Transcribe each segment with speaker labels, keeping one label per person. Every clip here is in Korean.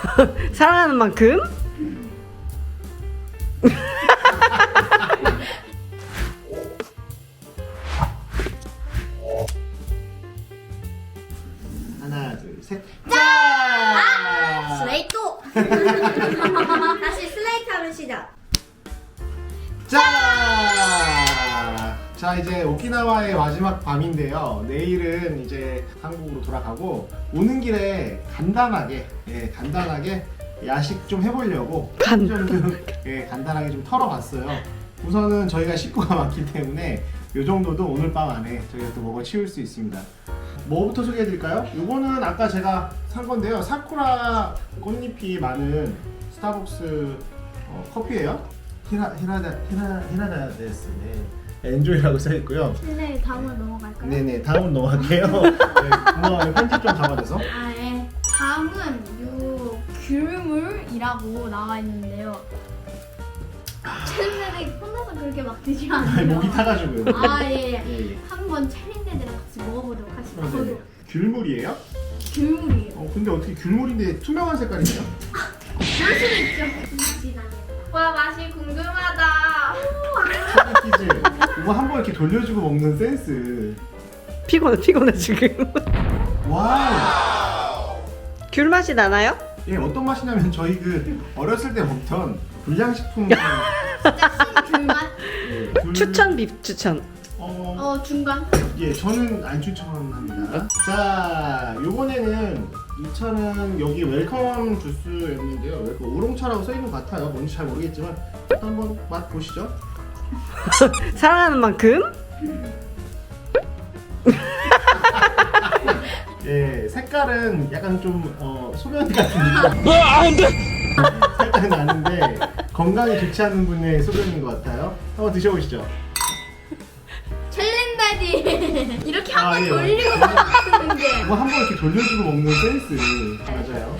Speaker 1: 사랑하는 만큼?
Speaker 2: 하나, 둘, 셋.
Speaker 3: 슬레이트! 다시 슬레이트 하면 시작.
Speaker 2: 자! 자, 이제 오키나와의 마지막 밤인데요. 내일은 이제 한국으로 돌아가고 오는 길에 간단하게 야식 좀 해보려고 간단하게 좀 털어봤어요. 우선은 저희가 식구가 많기 때문에 이 정도도 오늘 밤 안에 저희가 또 먹어 치울 수 있습니다. 뭐부터 소개해드릴까요? 이거는 아까 제가 산 건데요. 사쿠라 꽃잎이 많은 스타벅스 커피예요. 히라다 데스. 네. 엔조이라고 써있고요.
Speaker 3: 네, 다음으로 넘어갈까요?
Speaker 2: 네네, 다음은 넘어갈게요. 네, 고마워요. 편집 좀 잡아줘서.
Speaker 3: 아, 네. 다음은 요 귤물이라고 나와 있는데요. 챌린데들 혼자서 그렇게 막 드지
Speaker 2: 아니,
Speaker 3: 않아요.
Speaker 2: 목이 타가지고요.
Speaker 3: 아, 예.
Speaker 2: 예.
Speaker 3: 한번 챌린데들이랑 같이 먹어보도록 하시죠.
Speaker 2: 네네. 귤물이에요?
Speaker 3: 귤물이에요.
Speaker 2: 근데 어떻게 귤물인데 투명한 색깔이네요?
Speaker 3: 그럴 수도 있죠. 와, 맛이 궁금하다.
Speaker 2: 퀴즈. 이거 한번 이렇게 돌려주고 먹는 센스.
Speaker 1: 피곤해 지금.
Speaker 2: 와우.
Speaker 1: 귤 맛이 나나요?
Speaker 2: 예, 어떤 맛이냐면 저희 그 어렸을 때 먹던 불량식품.
Speaker 3: 진짜 신귤맛?
Speaker 2: 예,
Speaker 1: 추천 비추천.
Speaker 3: 중간.
Speaker 2: 예, 저는 안 추천합니다. 자, 요번에는 이 차는 여기 웰컴 주스였는데요. 웰컴 우롱차라고 써있는 것 같아요. 뭔지 잘 모르겠지만 일단 한번 맛 보시죠.
Speaker 1: 사랑하는 만큼?
Speaker 2: 예, 색깔은 약간 좀 소변 같은 느낌. 안돼. 살짝 나는데 건강에 좋지 않은 분의 소변인 것 같아요. 한번 드셔보시죠.
Speaker 3: 챌린데들 이렇게 한번
Speaker 2: 예,
Speaker 3: 돌리고
Speaker 2: 맞아요.
Speaker 3: 먹는 게.
Speaker 2: 이거 한번 이렇게 돌려주고 먹는 센스 맞아요.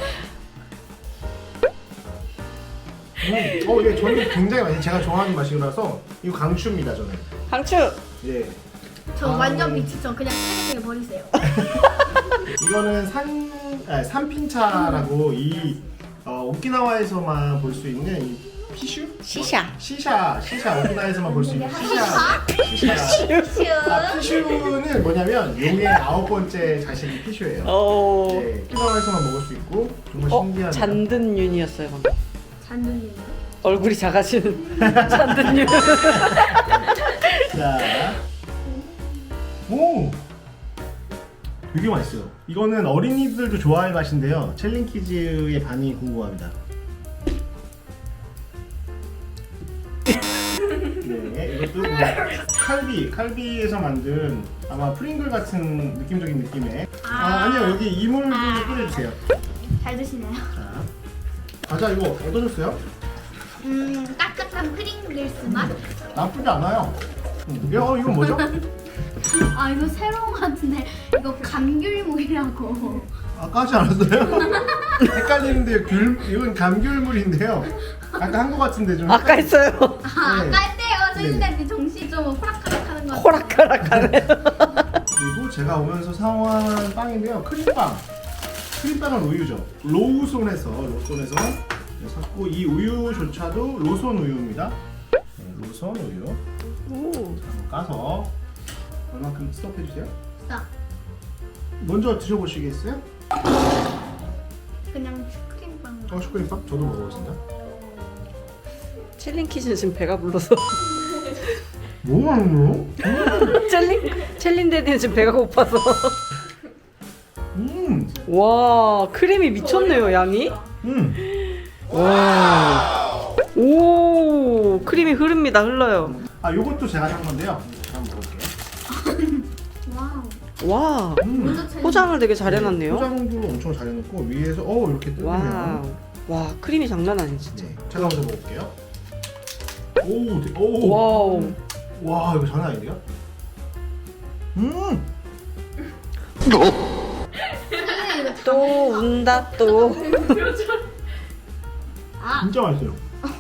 Speaker 2: 예, 저는 굉장히 많이 제가 좋아하는 맛이라서 이거 강추입니다 저는.
Speaker 1: 강추.
Speaker 2: 예.
Speaker 3: 저 완전 미치죠. 그냥 쓰레기에 버리세요.
Speaker 2: 이거는 산핀차라고 이 오키나와에서만 볼 수 있는 이
Speaker 1: 시샤.
Speaker 2: 시샤 오키나와에서만 볼 수 있는 시샤. 피슈는 뭐냐면 용의 9번째 자식이 피슈예요. 네, 오키나와에서만 먹을 수 있고 정말 신기한.
Speaker 1: 잔든 윤이었어요 방금.
Speaker 3: 잔돈이요.
Speaker 1: 얼굴이 작아지는 잔든 윤.
Speaker 2: 자, 오, 되게 맛있어요. 이거는 어린이들도 좋아할 맛인데요. 챌린키즈의 반응이 궁금합니다. 네, 이것도 칼비에서 만든 아마 프링글 같은 느낌적인 느낌의. 아니요, 여기 이물도 뿌려주세요.
Speaker 3: 잘 드시네요.
Speaker 2: 자, 과자 이거 어떠셨어요?
Speaker 3: 따뜻한 프링글스 맛?
Speaker 2: 나쁘지 않아요. 이건 뭐죠?
Speaker 3: 아, 이거 새로운 것 같은데 이거 감귤물이라고.
Speaker 2: 아까 하지 않았어요? 헷갈리는데요. 이건 감귤물인데요. 아까 한 것 같은데 좀.
Speaker 1: 아까 했어요.
Speaker 3: 아,
Speaker 2: 네.
Speaker 3: 아까 했대요. 챌린데들 정신 좀 호락호락하는 것 같아요.
Speaker 1: 호락호락하네.
Speaker 2: 그리고 제가 오면서 사온 빵인데요. 크림빵은 우유죠. 로손에서 샀고 이 우유조차도 로손 우유입니다. 네, 로손 우유.
Speaker 1: 오.
Speaker 2: 한번 까서 얼마큼 스톱해주세요.
Speaker 3: 자,
Speaker 2: 먼저 드셔보시겠어요?
Speaker 3: 그냥 슈크림빵.
Speaker 2: 슈크림빵? 저도 먹어보겠습니다.
Speaker 1: 챌린키즈는 지금 배가 불러서.
Speaker 2: 뭐 하는 거요?
Speaker 1: 챌린데디는 지금 배가 고파서. 와 크림이 미쳤네요 양이. 와. 오 크림이 흘러요.
Speaker 2: 요것도 제가 산 건데요. 한번 먹어볼게요.
Speaker 3: 와우.
Speaker 1: 와
Speaker 3: 먼저 챌린지.
Speaker 1: 포장을 되게 잘 해놨네요.
Speaker 2: 포장도 엄청 잘 해놓고 위에서 이렇게
Speaker 1: 와.
Speaker 2: 뜯으면.
Speaker 1: 와 크림이 장난 아니지 진짜.
Speaker 2: 네, 제가 먼저 먹을게요. 오.
Speaker 1: 와우.
Speaker 2: 와, 이거 장난 아닌데요?
Speaker 1: 또 운다 또.
Speaker 2: 진짜 맛있어요.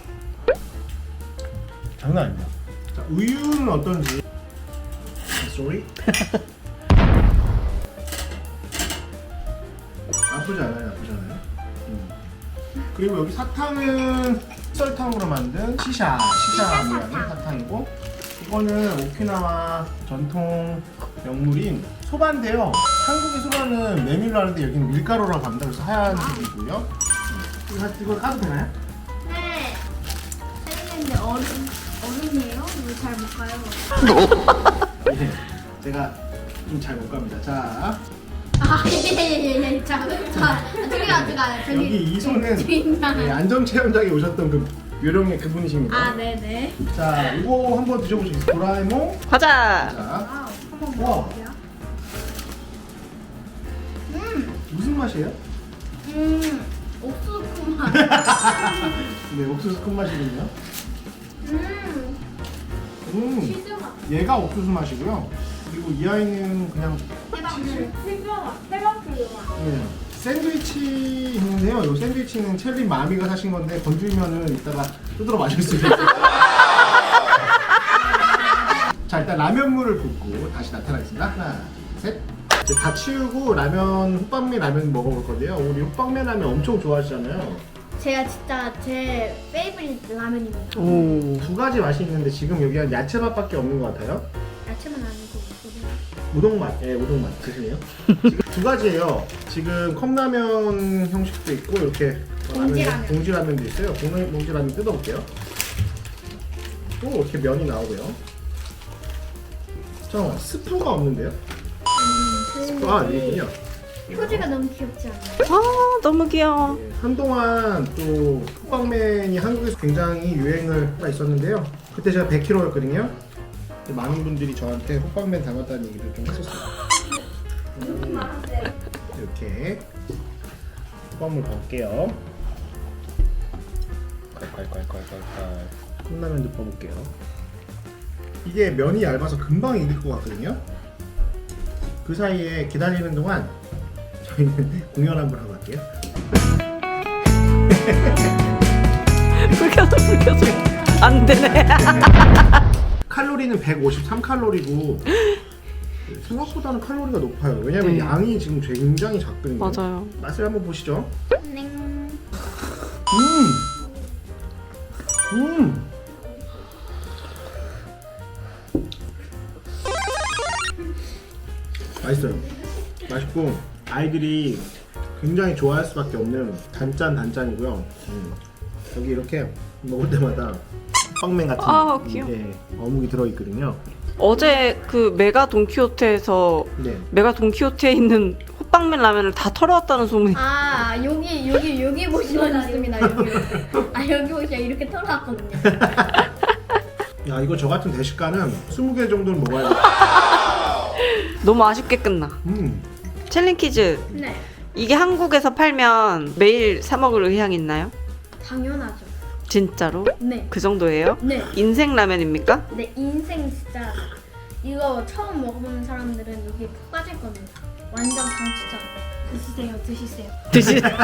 Speaker 2: 장난 아닙니다. 자, 우유는 어떤지. Sorry. 나쁘지 않아요. 그리고 여기 사탕은 설탕으로 만든 시샤 모양의 사탕이고, 이거는 오키나와 전통 명물인 소바인데요. 한국의 소바는 메밀로 하는데 여기는 밀가루라고 합니다. 그래서 하얀색이고요. 이거 까도 되나요?
Speaker 3: 네. 셀린데 얼음이에요? 왜 잘 못 가요?
Speaker 2: 예, 제가 좀 잘 못 갑니다. 자,
Speaker 3: 예예예. 자, 들어가.
Speaker 2: 여기 이 손은 네, 안전체험장에 오셨던 그 요령의 그분이십니다.
Speaker 3: 아, 네네.
Speaker 2: 자, 이거 한번 드셔보시겠어요? 도라에몽.
Speaker 1: 과자.
Speaker 2: 자,
Speaker 3: 와우. 한번
Speaker 2: 우와.
Speaker 3: 먹어볼게요.
Speaker 2: 무슨 맛이에요?
Speaker 3: 옥수수 맛.
Speaker 2: 네, 옥수수 큰 맛이군요.
Speaker 3: 치즈 맛.
Speaker 2: 얘가 옥수수 맛이고요. 그리고 이 아이는 그냥
Speaker 3: 치즈 맛. 해방치즈 맛.
Speaker 2: 네, 샌드위치 있는데요. 이 샌드위치는 첼리 마미가 사신 건데 건드리면은 이따가 뜯으러 마실 수 있어요. 자, 일단 라면물을 붓고 다시 나타나겠습니다. 하나, 셋. 이제 다 치우고 라면, 호빵면 라면 먹어볼 건데요. 우리 호빵면 라면 엄청 좋아하시잖아요.
Speaker 3: 제가 진짜 제 페이보릿 라면입니다.
Speaker 1: 오.
Speaker 2: 두 가지 맛이 있는데 지금 여기 한 야채맛밖에 없는 것 같아요.
Speaker 3: 야채만 아니고
Speaker 2: 우동맛, 예, 우동맛 드시네요. 지금 두 가지예요. 지금 컵라면 형식도 있고 이렇게
Speaker 3: 봉지라면.
Speaker 2: 봉지라면도 있어요. 봉지라면 뜯어볼게요. 또 이렇게 면이 나오고요. 잠깐만, 스프가 없는데요? 아, 여기군요.
Speaker 3: 표지가 너무 귀엽지 않나요?
Speaker 1: 아, 너무 귀여워.
Speaker 2: 예, 한동안 또 호빵맨이 한국에서 굉장히 유행을 하고 있었는데요. 그때 제가 100kg였거든요. 많은 분들이 저한테 호빵맨 닮았다는 얘기를 좀 했었어요. 이렇게 호빵물 넣을게요. 콸콸콸콸콸콸. 컵라면도 퍼볼게요. 이게 면이 얇아서 금방 익을 것 같거든요. 그 사이에 기다리는 동안 저희는 공연 한번 하고 갈게요.
Speaker 1: 불켜서. 안 되네.
Speaker 2: 칼로리는 153칼로리고 생각보다는 칼로리가 높아요. 왜냐면
Speaker 1: 네.
Speaker 2: 양이 지금 굉장히 작거든요.
Speaker 1: 맞아요.
Speaker 2: 맛을 한번 보시죠.
Speaker 3: 네.
Speaker 2: 맛있어요. 맛있고 아이들이 굉장히 좋아할 수밖에 없는 단짠이고요. 여기 이렇게 먹을 때마다 빵맨 같은
Speaker 1: 아, 귀여워.
Speaker 2: 게 어묵이 들어있거든요.
Speaker 1: 어제 그 메가 돈키호테에서
Speaker 2: 네.
Speaker 1: 메가 돈키호테에 있는 호빵면 라면을 다 털어왔다는 소문이.
Speaker 3: 아, 여기 보시면 있습니다. 여기 보시면 이렇게 털어놨거든요.
Speaker 2: 야, 이거 저 같은 대식가는 20개 정도는 먹어야 돼.
Speaker 1: 너무 아쉽게 끝나. 챌린 퀴즈.
Speaker 3: 네.
Speaker 1: 이게 한국에서 팔면 매일 사 먹을 의향 있나요?
Speaker 3: 당연하죠.
Speaker 1: 진짜로?
Speaker 3: 네.
Speaker 1: 그 정도예요?
Speaker 3: 네.
Speaker 1: 인생 라면입니까?
Speaker 3: 내 인생 진짜 이거 처음 먹어보는 사람들은 여기 푹 빠질 겁니다. 완전 강추천. 드시세요.
Speaker 2: 드시세요.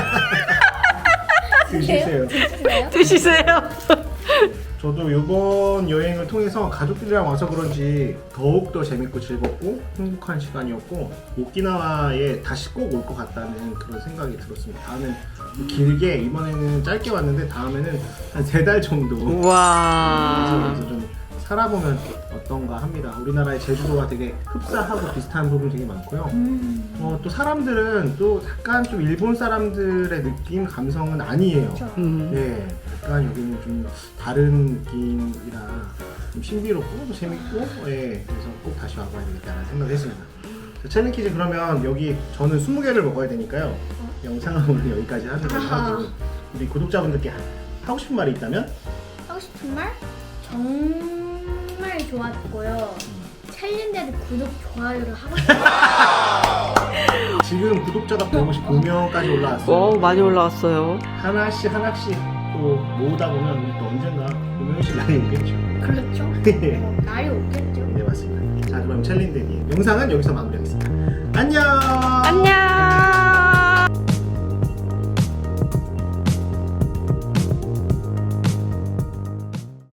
Speaker 3: 드시세요?
Speaker 1: 드시세요.
Speaker 2: 저도 이번 여행을 통해서 가족들이랑 와서 그런지 더욱더 재밌고 즐겁고 행복한 시간이었고 오키나와에 다시 꼭 올 것 같다는 그런 생각이 들었습니다. 다음엔 길게, 이번에는 짧게 왔는데 다음에는 한 3달 정도
Speaker 1: 우와.
Speaker 2: 그래서 좀 살아보면 어떤가 합니다. 우리나라의 제주도가 되게 흡사하고 비슷한 부분이 되게 많고요. 또 사람들은 또 약간 좀 일본 사람들의 느낌, 감성은 아니에요.
Speaker 3: 그렇죠.
Speaker 2: 네, 약간 여기는 좀 다른 느낌이라 좀 신비롭고 또 재밌고, 예, 그래서 꼭 다시 와봐야 되겠다는 생각을 했습니다. 챌린 퀴즈 그러면 여기 저는 20개를 먹어야 되니까요. 영상은 오늘 여기까지 하는 걸로 하고 우리 구독자분들께 하고 싶은 말이 있다면?
Speaker 3: 하고 싶은 말? 정말 좋았고요. 챌린데도 구독, 좋아요를 하고 싶어요.
Speaker 2: 지금 구독자가 159명까지 올라왔어요.
Speaker 1: 와, 많이 올라왔어요.
Speaker 2: 하나씩 또 모으다 보면 또 언젠가 5명씩 날이 오겠죠.
Speaker 3: 그렇죠. 날이 오겠죠.
Speaker 2: 네, 맞습니다. 자, 그럼 챌린데니 영상은 여기서 마무리하겠습니다. 안녕.
Speaker 1: 안녕.